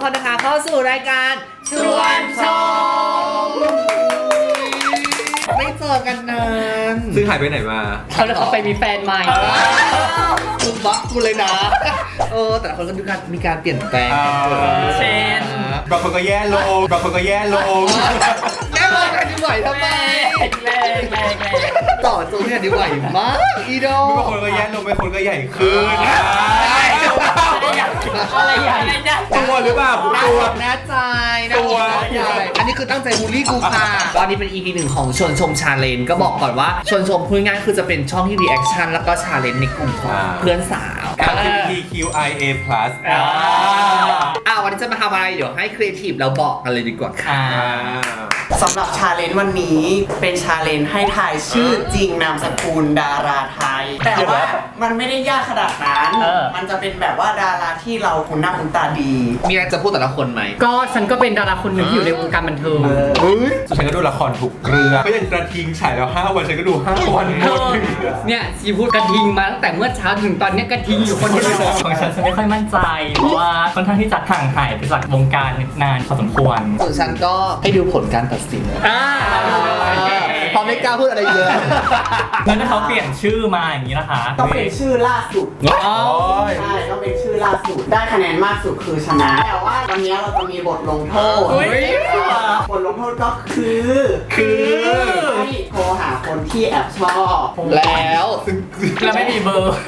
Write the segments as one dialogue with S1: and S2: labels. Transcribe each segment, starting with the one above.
S1: คนนะคะเข้าสู่รายการชวนชมไม่เจอกันนาน
S2: ซึ่งหายไปไหนมา
S3: เขาไปมีแฟนใหม่
S1: กูบักกูเลยนะแต่คนก็มีการเปลี่ยนแปลง
S3: เช่น
S2: บางคนก็แย่ลงบางคนก็แย่ลง
S1: แม่บอกกันดีไหวทำไม
S3: แรง
S1: ต่อจูเนี่ยดีไหวมากอีโด
S2: บางคนก็แย่ลงบางคนก็ใหญ่ขึ้น
S3: อะไรใหญ่
S2: ตัวหรือเปล่าตัว
S1: แน่ใจตัวใหญ่อันนี้คือตั้งใจบูลลี่กูค่ะตอนนี้เป็น EP 1ของชวนชมชาเลนจ์ก็บอกก่อนว่าชวนชมพูดง่ายคือจะเป็นช่องที่รีแอคชั่นแล้วก็ชาเลนจ์ในกลุ่มของเพื่อนสาว
S2: LGBTQIA+
S1: วันนี้จะมาทำอะไรเดี๋ยวให้ครีเอทีฟเราบอกกันเลยดีกว่าค่ะ
S4: สำหรับชาเลนจ์วันนี้เป็นชาเลนจ์ให้ทายชื่อจริงนามสกุลดาราไทยแต่ว่ามันไม่ได้ยากขนาดนั้นมันจะเป็นแบบว่าดาราที่เราคุ้นหน้าคุ้นตาดี
S1: มีอะไรจะพูดแต่ละคนไหม
S3: ก็ฉันก็เป็นดาราคนหนึ่งที่อยู่ในวงการบันเทิง
S2: ฉันก็ดูละครทุกเรื่องก็ยังกระทิงฉายแล้ว5 วันฉันก็ดู5 วันหมด
S3: เนี่ยชีพูดกระทิงมาตั้งแต่เมื่อเช้าถึงตอนนี้กระทิงอยู่คนเดียว
S5: ของฉันไม่ค่อยมั่นใจเพราะว่าค่อนข้างที่จะห่างหายไปจากวงการนานพอสมควร
S1: ส่วนฉันก็ให้ดูผลการตัดสินพอไม่กล้าพูดอะไรเยอะ
S5: งั้นถ้าเขาเปลี่ยนชื่อมาอย่างนี้นะคะ
S4: ต้องเป็นชื่อล่าสุดใช่ต้องเป็นชื่อล่าสุดได้คะแนนมากสุดคือชนะแต่ว่าวันนี้เราจะมีบทลงโทษบทลงโทษก็คือให้โทรหาคนที่แอบชอบ
S1: แล้ว
S3: ไม่มีเบอร์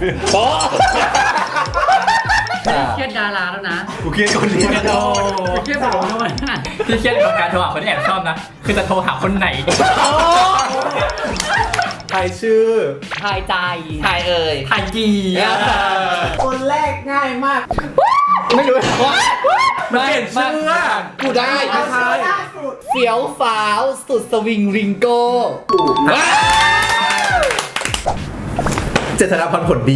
S3: เครียดดาราแล้วนะ
S2: กูเครียดคนนี้
S3: เครียดแบบนู้น
S5: ที่เครียดกับการโทรหาคนที่แอบชอบนะคือจะโทรหาคนไหน
S2: ทายชื่อ
S3: ทายใจ
S1: ทาย
S3: ทายจี
S4: คนแรกง่ายมาก
S1: ไม่รู้
S2: ว่ามันเปลี่ยนชื่อ
S1: กูได้เฟี้ยวฟ้าวสุดสวิงริงโก้
S2: เจษฎาพรผลดี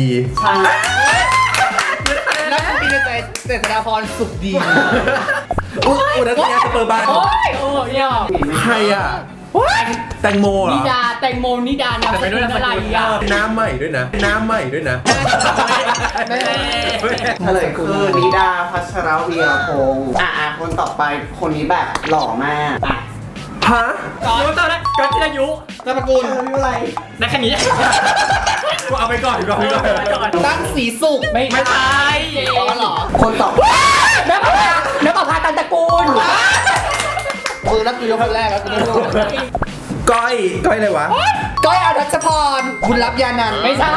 S1: นักบินใจเจษฎาพรสุขดี
S2: อุรัสยาสเปอร์บันใครอ่ะแตงโมเหรอ
S3: แตงโมนิดานะ
S5: แต่ไม่รู้อะไร
S2: อ่ะน้ำใหม่ด้วยนะ
S4: เฉลยคือนิดาพัชรวีรพงศ์คนต่อไปคนนี้แบบหล่อมาก
S2: ฮะ
S3: ก่อนตอนนั้นก่อนที่อายุ
S1: นามสกุล
S4: อะไร
S3: ในแค่นี้
S2: กูเอาไปก่อน
S1: ตั้งสีสุก
S3: ไม่ใช่
S1: หรอ
S4: คนต่อ
S3: แม่ประภาตันตระกูล
S1: มือแล้วคือยกคนแรกแล้วกูไม่รู้
S2: ก้อยอะไรวะ
S1: ก้อยอรัชพรบุญรับยานัน
S3: ไม่ใช่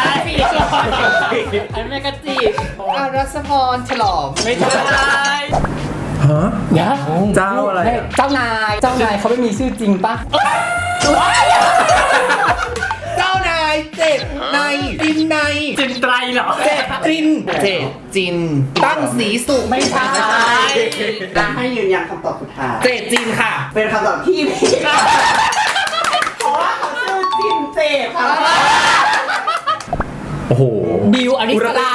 S3: อันนี้ก็จีบ
S1: อรัชพรฉลอม
S3: ไม่ใช่
S2: ฮะเจ้าอะไร
S3: เจ้านายเขาไม่มีชื่อจริงปะ
S1: เจ้านายเจ็ดในจินใน
S3: จินไตรเหรอ
S1: เจ็ดจินตั้งสีสุก
S3: ไม่ใช่
S4: ให้ยืนยันคำตอบสุดท้าย
S1: เจ็ดจินค่ะ
S4: เป็นคำตอบที่ผิดเพราะว่าเขาชื่อจินเจ็ดค่ะ
S2: โอ้โห
S3: บิวอริสรา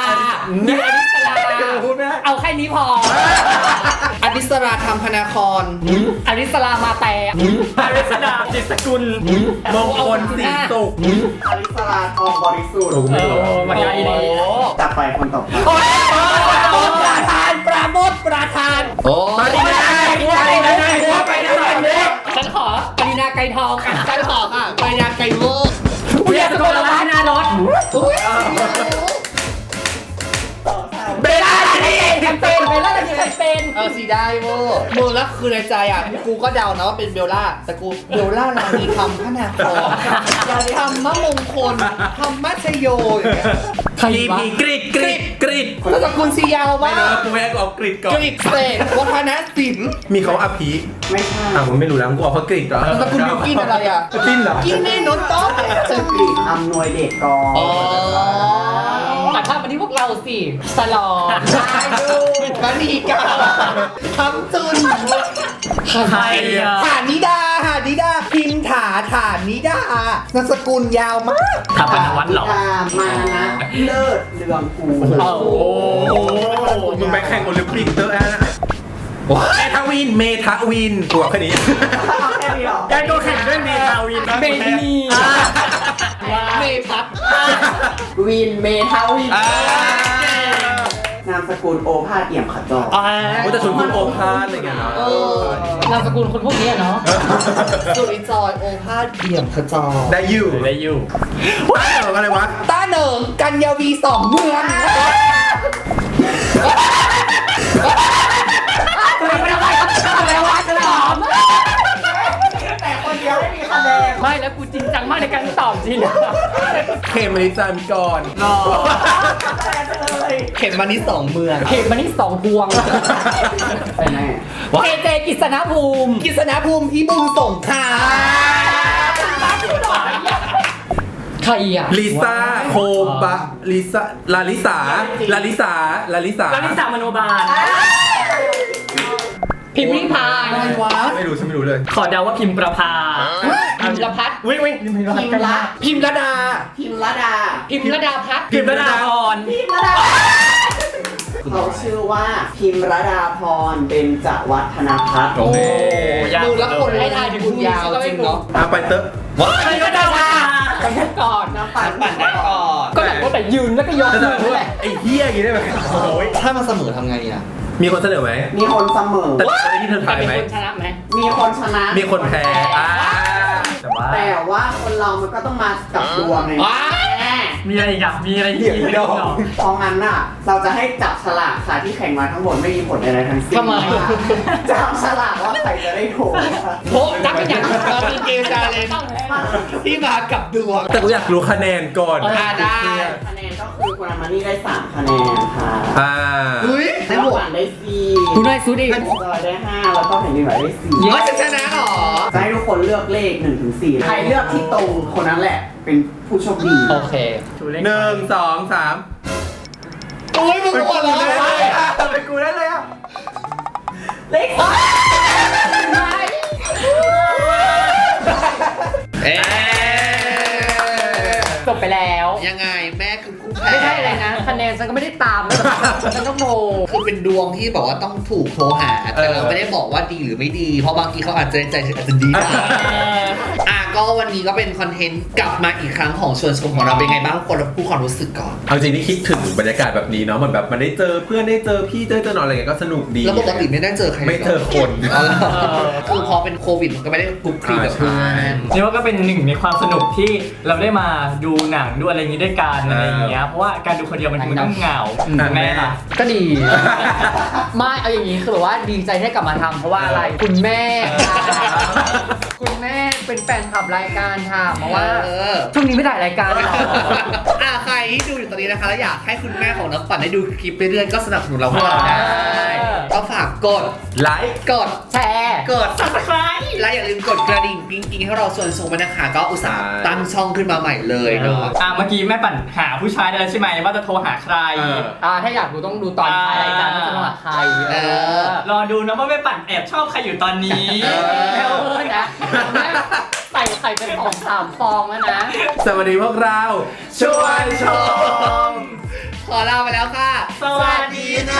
S3: เอาแค่นี้พอ
S1: อริสราธรรมพนาคร
S3: อริสรามาแต่อริสราจิตสกุล
S2: มงคลสีสุก
S4: อริสราทองบริสุทธิ์
S3: มันง่ายดี
S4: จับไปคนต่อไป
S3: ประธาน
S1: โอ้
S3: ปรินาฉันขอปรินาไก่ทองกัน
S1: ฉันขอค่ะปรินาไก่โม่
S3: เรียกตัวละหน้ารถเบลล่าแคมเปญ
S1: สีได้โว้มึงแล้วคือในใจกูก็เดานะว่าเป็นเบลล่าแต่กูเบลล่านามีคำพนาครทำมะมงคลทำมัชโยอย่างเงี้ย
S3: ใครวะ
S2: กริด
S1: แล้วตระกูลซียาวมาก
S2: กูไม่เอากริดก่อน
S1: กริดเสกวัฒนศิลป์
S2: มีเขาอภิ
S4: ไม่ใช่
S2: ผมไม่รู้แล้วกูเอาเพราะกริดเหรอ
S1: ตระกูลบิวกินอะไร
S2: กินเหรอ
S1: กินเมนูโต๊ะ
S4: ชื่อกริดอำนวยเดชกร
S3: แต่ถ้าวันนี้พวกเราสิสลอ
S1: มณีกาทำจุน
S3: ใคร
S1: ฐานิดาพิมถาฐานิดานามสกุลยาวมาก
S3: ถาปนวัฒน์หรอ
S4: มานะเลิศเรืองกู
S2: โอ้โหมึงไปแข่งโอลิมปิกเตอร์นะเมทาวินตัวแค่นี้
S3: การก็แข่งด้วยเมทาวินเม
S1: พัท
S4: วินเมทาวินนามามสกุลโอภาสเอี่ยมขจร
S2: ว่าจะชวนคุณโอภาสอะไรเงี้ยเนาะ
S3: นามสกุลคนพวกนี้เนาะ
S1: สุริจอยโอภาสเอี่ยมขจร
S2: ได้อยู่
S5: ได้อยู่
S2: อะไรวะ
S1: ต้าเหนิงกันยาวีสองเมือง
S4: แต่คนเดียวไม่มีคะแนน
S3: ไม่แล้วกูจริงจังมากในการตอบจริง
S2: เขมมณิจามก่อน
S3: รอ
S1: เข็มมานี่สองเมือง
S3: เขตมันนี่2 พวง
S4: ใช่ไหม
S3: เจเจกิษณภูมิ
S1: กิษณภูมิพิบูลสงคราม
S3: ใครอ่ะ
S2: ลิซ่าโคบะลิซ่าลาลิสาลาลิสาลาลิสา
S5: แล้วนิสามโนบาล
S3: พิมพ์ริพาย
S1: อะไรวะ
S2: ไม่รู้ฉันไม่รู้เลย
S5: ขอเดาว่าพิมพ์ประภา
S3: พิมพ์ละพัฒน์
S5: วิ่งพิมพ์
S4: พิมพ์ละ
S1: พิมพ์ระดา
S4: พิมพ์ละดา
S3: พิมพ์ระดาพัฒน์
S5: พิมพ์ระดาพร
S4: เขาชื่อว่าพิมระดาพรเบญจวัฒนพัฒน์
S2: โอเค
S5: ยาก
S1: ดูแล้วคนให้ทายถึงคุณยาวจริงเนาะ
S2: ไปเตอะ
S3: พิมพ์ระดาพัฒน์ก่อน
S4: น้ำปั่น
S1: ปั่นได้ก่อน
S3: ก็แบบว่าแต่ยืนแล้วก็ยก
S2: จะ
S3: มื
S2: ถาม
S3: อ
S2: ว่า
S3: แหละ
S2: ไอ้เฮียอย่างนี้ได้ไหมโอ้ย
S1: ถ้ามันเสมอทำไงอ่ะ
S2: มีคนเสนอไหม
S4: มีคนเสมอ
S2: แต่ไอ้ที่เธอ
S3: แต่
S2: ทาย
S3: เป็น
S2: ไหม
S3: คนชนะไหม
S4: มีคนชนะ
S2: มีคนแพ้แต่ว่า
S4: แต่ว่าคนเรามันก็ต้องมากับดวงไง
S1: ว้า
S4: แม่
S5: มีอะไรอีกอ่ะมีอะไรอีก
S4: เพราะงั้นน่ะ เราจะให้จับฉลากค่ะที่แข่งมาทั้งหมดไม่มีผลอะไรทั้งสิ้น
S3: ทำไม
S4: จับฉลากว่าใครจะได้โถ
S3: โพจักเป็นอย่าง
S1: เราเป็นเกมการเล่นที่มากับดวง
S2: แต่กูอยากรู้คะแนนก่อน
S1: ได้
S4: คะแนนก็คือคุณอามานี่ได้3คะแนนค่ะ
S1: เฮ้ยได้
S4: น้ำ
S1: หม
S4: ห
S1: ด
S4: วานได้
S3: คุณได้ซูดิ
S4: 4จอยได้5แล้วก็แผ่นดินไหวได้4
S1: เฮ้ยจะชนะเหรอ
S4: จะให้ทุกคนเลือกเลข1 ถึง 4ใครเลือกที่ตรงคนนั้นแหละ เป็นผู้โชคดี
S3: โอเค
S2: หนึ่งสองสาม
S1: โอ้ยมึงหมดแล้ว
S2: เป็นกูได้เลยอ่ะ
S4: เลข
S1: เอ๊ะ
S3: จบไปแล้ว
S1: ยังไงแม่คือผู้แพ้
S3: ไม่ใช่อะไรนะคะแนนฉันก็ไม่ได้ตามนะฉันต้องโทร
S1: คือเป็นดวงที่บอกว่าต้องถูกโทรหา แต่เราไม่ได้บอกว่าดีหรือไม่ดี เพราะบางทีเขาอาจจะใจอาจจะดีนะก็วันนี้ก็เป็นคอนเทนต์กลับมาอีกครั้งของชวนชมของเราเป็นไงบ้างคนพูดความรู้สึกก่อน
S2: เอาจริงนี่คิดถึงบรรยากาศแบบนี้เนาะเหมือนแบบมันได้เจอเพื่อนได้เจอพี่ได้เจอน้องอะไรเงี้ยก็สนุกดี
S1: แล้วปกติไม่ได้เจอใคร
S2: ไม่เจอคน
S1: อ๋อเหรอคือพอเป็นโควิดมันก็ไม่ได้คลุกคลีกับเพื่อน
S5: นี่ว่าก็เป็นหนึ่งในความสนุกที่เราได้มาดูหนังดูอะไรอย่างนี้ด้วยกันอะไรอย่างเงี้ยเพราะว่าการดูคนเดียวมันต้องเหงาแม่ล่ะ
S3: ก็ดี ไม่เอาอย่างนี้คือแบบว่าดีใจที่ได้กลับมาทำเพราะว่าอะไรคุณแม่คุณแม่เป็นแฟนคลับรายการค่ะเพราะว่าช่วงนี้ไม่ได้รายการหรอก
S1: ใครที่ดูอยู่ตอนนี้นะคะแล้วอยากให้คุณแม่ของน้ำปั่นได้ดูคลิปไปเรื่อยๆก็สนับสนุนเราพวกเราได้ก็ฝากกด
S2: ไลค์
S1: กด
S3: แชร์
S1: กด subscribe และอย่าลืมกดกระดิ่งกิ๊งๆให้เราส่วนส่งไปนะคะ ก็อุตส่าห์ตั้งช่องขึ้นมาใหม่เลยเนาะ
S5: เมื่อกี้แม่ปั่นหาผู้ชายได้แล้วใช่ไหมว่าจะโทรหาใคร
S3: ถ้าอยากดูต้องดูตอนท้ายรายการว่าจะมาหาใคร
S5: รอดูนะว่าแม่ปั่นแอบชอบใครอยู่ตอนนี้
S3: แล้วนะใส่ไข่เป็น2-3 ฟองแล้วนะ
S2: สวัสดีพวกเราชวนชม
S1: ขอลาไปแล้วค่ะ
S5: สวัสดีค่ะ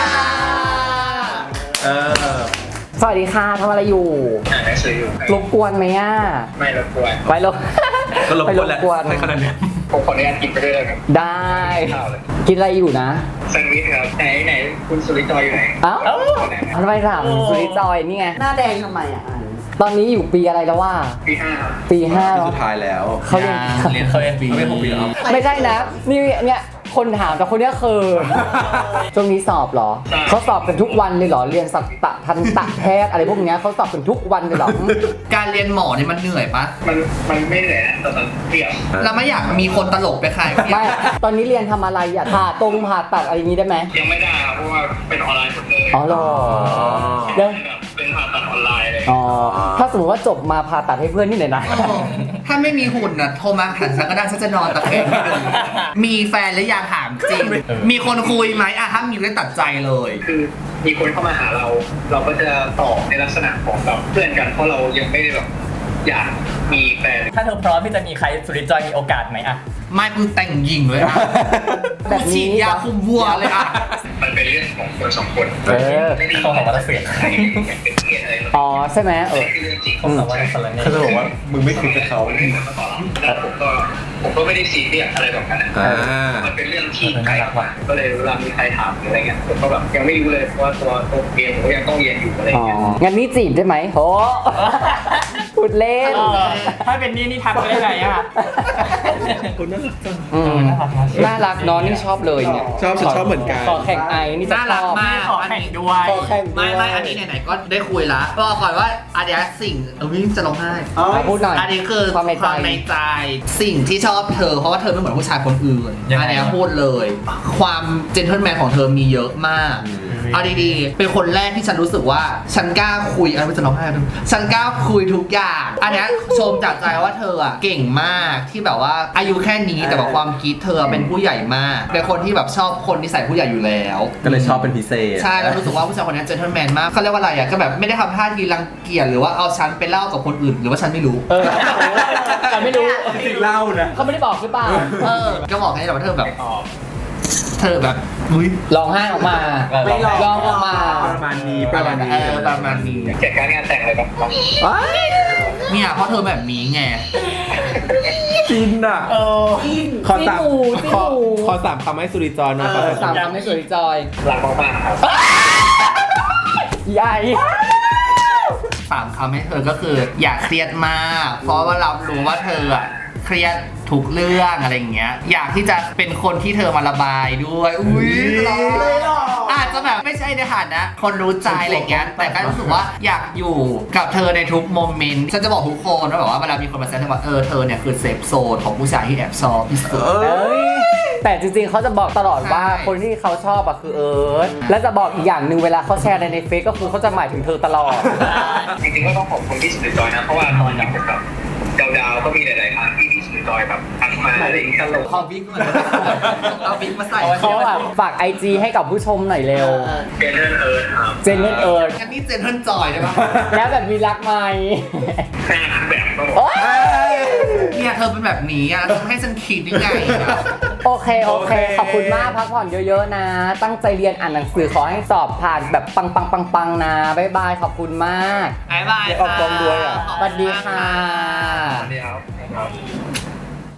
S3: สวัสดีค่ะทำอะไรอยู่รบกวนไหมอ่ะ
S6: ไม่รบกวน
S3: ไปรบ
S2: ก็ลบกวนแหละ
S3: ไปรบกวน
S2: ใช่ขนาดเนี้ย
S6: ผมขออนุญาตกินไปด้วยเลยครับ
S3: ได้
S6: ข้าวเลย
S3: กินอะไรอยู่นะ
S6: แซนด์วิชครับไหนคุณสุริจอยอยู่ไหน
S3: เอ้าทำไมถามสุริจอยนี่ไง
S4: หน้าแดงทำไมอ่ะ
S3: ตอนนี้อยู่ปีอะไรแล้วว่า
S6: ปี5ครับ
S3: ปี5
S2: ที่
S3: แล้ว
S2: สุดท้ายแล้ว
S3: เขาเรียน
S2: เรียนเขาเรียนปี6ปีแล้ว
S3: ไม่ใช่นะ นี่เนี่ยคนถามแต่คนเนี้ยคือช่วงนี้สอบเหรอ เขาสอบกันทุกวันเลยเหรอ เรียนสัตทันตแพทย์อะไรพวกเนี้ยเขาสอบกันทุกวันเลยเหรอ
S1: การเรียนหมอนี่มันเหนื่อยปะ
S6: มันไม่เหนื่อยนะแต่มันเปรี้ยว
S1: เราไม่อยากมีคนตลกไปขาย
S3: ไม่ ตอนนี้เรียนทำอะไรอ่ะผ่าตัดอะไรอย่างนี้ได้ไหม
S6: ยังไม่ได้ครับเพราะว่าเป็นออนไลน์หมดเลย
S3: อ๋อเหรอเดี๋ยว
S6: เป็นผ่าตัดออนไลน์เลย
S3: อ๋อ ถ้าสมมติว่าจบมาผ่าตัดให้เพื่อนนี่หน่อยนะ
S1: ถ้าไม่มีหุ่นน่ะโทรมาหันฉันก็ได้ฉันจะนอนตะแคงให้ดูมีแฟนหรือยังถามจริง มีคนคุยไหมถ้ามีก็ตัดใจเลย
S6: คือมีคนเข้ามาหาเรา เราก็จะตอบในลักษณะของแบบเพื่อนกันเพราะเรายังไม่ได้แบบอยากมีแฟน
S5: ถ้าเธอพร้อมที่จะมีใครสุริจอยมีโอกาสไหมอะ
S1: ไม่กูแต่งหญิงเลยอะ
S3: แบบ
S1: กู
S3: นี้
S1: ฉีดยาคุมวัวเลยอะ
S6: มันเป็นเรื่องของคนสองคน ไม่ได้
S5: เขาบอกว่าจะเสีย
S6: ใครเป็นเกียรติอะไรหรอก
S3: อ๋อใช่ไหม
S6: นี่คือเรื่องจริง
S5: เขาบอกว่าจะสลัน
S2: เขาจะบอกว่ามึงไม่คิดกับเขา
S6: แล้วผมก็ผมก็ไม่ได้ซีเรียสอะไรแบบนั้นนะมันเป็นเรื่องที่ไกลออกมาก็เลยเวลามีใครถามหรืออะไรเงี้ยผมก็แบบยังไม่รู้เลยว่าตัวเองผมก็ยังต้องเรียนอยู่อะไร
S3: อ๋อ
S6: เงี้ย
S3: งั้นนี่จีบได้ไหมโหพูดเล่น
S5: ถ้าเป็นนี่ทักไปได้ไงอ่ะ
S2: คุณน่ารักจัง
S3: อืมน่ารักเน้องนี่ชอบเลยเนี่ย
S2: ชอบฉันชอบเหมือนกัน
S3: ขอแข่งไอนี่จะ
S1: น่า
S3: ช
S1: รัก
S3: อบ
S1: มาก
S5: ขอแข่งด้วย
S3: ขอแข่งด้วย
S1: ไม่อันนี้ไหนๆก็ได้คุยละบอกก่อนว่าอันเนี้ยสิ่งจะร้องไห้
S3: พูดหน่อย
S1: อันนี้คือ
S3: ความในใจ
S1: ใจสิ่งที่ชอบเธอเพราะว่าเธอไม่เหมือนผู้ชายคนอื่น
S5: ยังไง
S1: อันเนี้ยพูดเลย ความเจนเทิลแมนของเธอมีเยอะมากเอาดีๆเป็นคนแรกที่ฉันรู้สึกว่าฉันกล้าคุยอะไรไม่จะร้องไห้ฉันกล้าคุยทุกอย่างอันเนี้ยชมจากใจว่าเธออ่ะเก่งมากที่แบบว่าอายุแค่นี้แต่ว่าความคิดเธอเป็นผู้ใหญ่มากเป็นคนที่แบบชอบคนที่ใส่ผู้ใหญ่อยู่แล้ว
S2: ก็เลยชอบเป็นพิเศษ
S1: ใช่แล้วรู้สึกว่าผู้ชายคนนี้เจนเทิลแมนมากเขาเรียกว่าอะไรอ่ะก็แบบไม่ได้ทำท่าทีรังเกียจหรือว่าเอาฉันไปเล่ากับคนอื่นหรือว่าฉันไม่รู้
S3: แต่ไม่รู้
S2: จริงๆเล่านะ
S3: เขาไม่ได้บอกหรือเปล่า
S1: ก็บอกให้แต่ว่าเธอแบบเธอแบบอุ้ย
S3: ร้องไห้ออกมา
S4: ไม่ร้อง
S3: ร้องออกมา
S2: ประมาณนี้ประมาณนี้
S1: ประมาณนี้
S6: จัดการงานแต่งอะไรแบบนั้น
S1: เนี่ยเพราะเธอแบบนี้ไง
S2: จินอ่ะขอสาม
S3: จิ้นหมู
S2: ขอสามคำให้สุริจรหนะครับ
S3: สามคำให้สวยจอย
S6: รักมากๆครับ
S3: ใหญ่
S1: 3 คำให้เธอก็คืออย่าเครียดมาก เพราะว่าเรารู้ว่าเธออะเครียดทุกเรื่องอะไรอย่างเงี้ยอยากที่จะเป็นคนที่เธอมาระบายด้วยอุ้ยอาจจะแบบไม่ใช่ในฐานะคนรู้ใจอะไรเงี้ยแต่ก็รู้สึกว่าอยากอยู่กับเธอในทุกโมเมนต์ฉันจะบอกทุกคนว่าแบบว่าเวลามีคนมาแซวว่าเธอเนี่ยคือเซฟโซนของผู้ชายที่แอบชอบที่สุด
S3: แต่จริงๆเขาจะบอกตลอดว่า
S1: ใช่
S3: คนที่เขาชอบอะคือเอิร์ธและจะบอกอีกอย่างหนึ่งเวลาเขาแชร์ในเฟซก็คือเขาจะหมายถึงเธอตลอด
S6: จริงๆก็ต้องขอบคุณพี่สุดจอยนะเพราะว่าตอนนี้ผมแบบดาวก็มีหลายๆครั้งที่พี่สุดจอยแบบทักมาอะไรอย่างเงี้ย
S1: เอาวิกมาเอาวิกมาใส่
S3: เขาแบบฝาก IG ให้กับผู้ชมหน่อยเร็ว
S6: เจนเนอร์เอิร์ธครับ
S3: เจนเนอร์เอิร์ธ
S1: อันนี้เจนเทิลจอยใช่ปะ
S3: แล้วแบบมีรักไหม
S6: แม่แบบก็บอก
S3: โอ๊ย
S1: เนี่ยเธอเป็นแบบนี้อ่ะให้ฉันคิดยังไงอะ
S3: โอเค ขอบคุณมากพักผ่อนเยอะๆนะ ตั้งใจเรียนอ่านหนังสือขอให้สอบผ่านแบบปังๆนะบ๊ายบายขอบคุณมาก
S1: บ๊ายบาย
S2: ออกกองด้วยอะ
S3: สวัสดีค่ะ
S6: สวัสดีครับ